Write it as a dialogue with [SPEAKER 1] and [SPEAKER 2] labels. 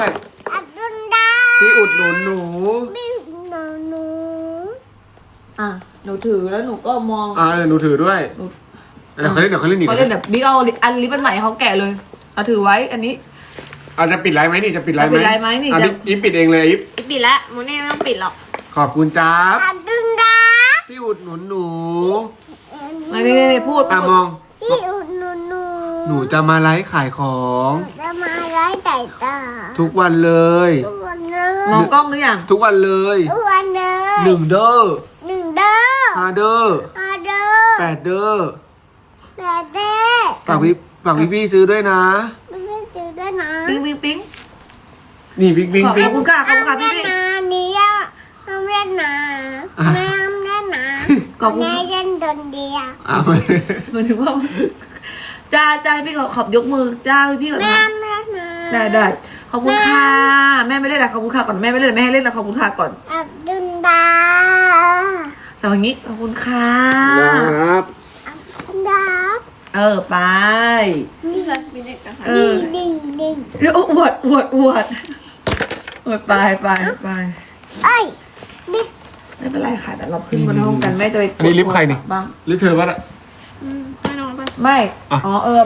[SPEAKER 1] อับดุลดา
[SPEAKER 2] ที่อุดหนุนหนู
[SPEAKER 1] บิ๊กหนู
[SPEAKER 3] อ่ะหนูถือแล้วหนูก็มอง
[SPEAKER 2] หนูถือด้วยเดี๋ยวเขาเล่นอีก
[SPEAKER 3] เขาเล่นแบบบิ๊กเอาอันลิปมันใหม่เขาแกะเลยเอาถือไว้อันนี้
[SPEAKER 2] จะปิดไลฟ์ไหมนี่จะปิดไลฟ์ไหม
[SPEAKER 3] จะปิดไลฟ์ไหมนี่
[SPEAKER 2] อีฟปิดเองเลยอีฟ
[SPEAKER 4] ปิดละโมเน่ไม่ต้องปิดหรอก
[SPEAKER 2] ขอบคุณจ้าบ
[SPEAKER 1] อับดุลดา
[SPEAKER 2] ที่อุดหนุนหนู
[SPEAKER 3] ไม่ได้พูด
[SPEAKER 2] มอง
[SPEAKER 1] พี่อุดหนู
[SPEAKER 2] หนูจะมาไลฟ์ขายของ
[SPEAKER 1] จะมาไล่ไต่ตา
[SPEAKER 2] ทุกวันเลย
[SPEAKER 1] ทุกวันเล
[SPEAKER 3] มองกล้องหรือยัง
[SPEAKER 2] ทุกวันเลย
[SPEAKER 1] ทุกวันเลย
[SPEAKER 2] 1 เด้อ
[SPEAKER 1] 1 เด้อ
[SPEAKER 2] 5 เด้อ
[SPEAKER 1] 5 เด้อ
[SPEAKER 2] 8 เด้อ
[SPEAKER 1] 8 เด้อ
[SPEAKER 2] ฝากพี่ซื้อด้วยนะ
[SPEAKER 1] ไม่ซื้อด้วยนะ
[SPEAKER 3] ปิ๊งปิ๊งปิ๊ง
[SPEAKER 2] นี่บิ๊กบิ๊ก
[SPEAKER 3] ขอบ
[SPEAKER 2] บิ๊ก
[SPEAKER 3] คุณค่ะขอบคุณค่ะพี่
[SPEAKER 1] เล่น
[SPEAKER 3] ปิ๊ง
[SPEAKER 1] นะนี่อะทำเล่นนะแม่ทำเล่นนะ
[SPEAKER 3] ขอบคุณ
[SPEAKER 1] แม่เล่นดนเดียว
[SPEAKER 2] ไป
[SPEAKER 3] หมายถึงว่าจ้าพี่ขอบยกมือจ้าพี่ก่อน
[SPEAKER 1] แม่
[SPEAKER 3] นะ
[SPEAKER 1] ทำเล่นนะ
[SPEAKER 3] ได้ขอบคุณค่ะแม่ไม่ได้ละขอบคุณค่ะก่อนแม่ไม่ได้แม่ให้เล่นละขอบคุณค่ะก่อน
[SPEAKER 1] อับดุลดา
[SPEAKER 3] สวัสดีขอบคุณค่ะ
[SPEAKER 2] ครับ
[SPEAKER 1] อับดุลดา
[SPEAKER 3] ไป
[SPEAKER 1] นี่
[SPEAKER 4] มีเด็กนะคะ
[SPEAKER 1] นี่
[SPEAKER 3] แล้วอวดไป
[SPEAKER 1] เอ้ยบิ๊ก
[SPEAKER 3] ไม่เป็นไรค่ะแต่เราขึ้นบนห้องกันแม่จะไป
[SPEAKER 2] อันนี้ลิฟต์ใครนี่
[SPEAKER 3] บ้าง
[SPEAKER 2] หรือเธอวะน่ะ
[SPEAKER 4] ไม่นอนไป
[SPEAKER 3] ไม่
[SPEAKER 2] อ่ะ
[SPEAKER 3] อ๋อ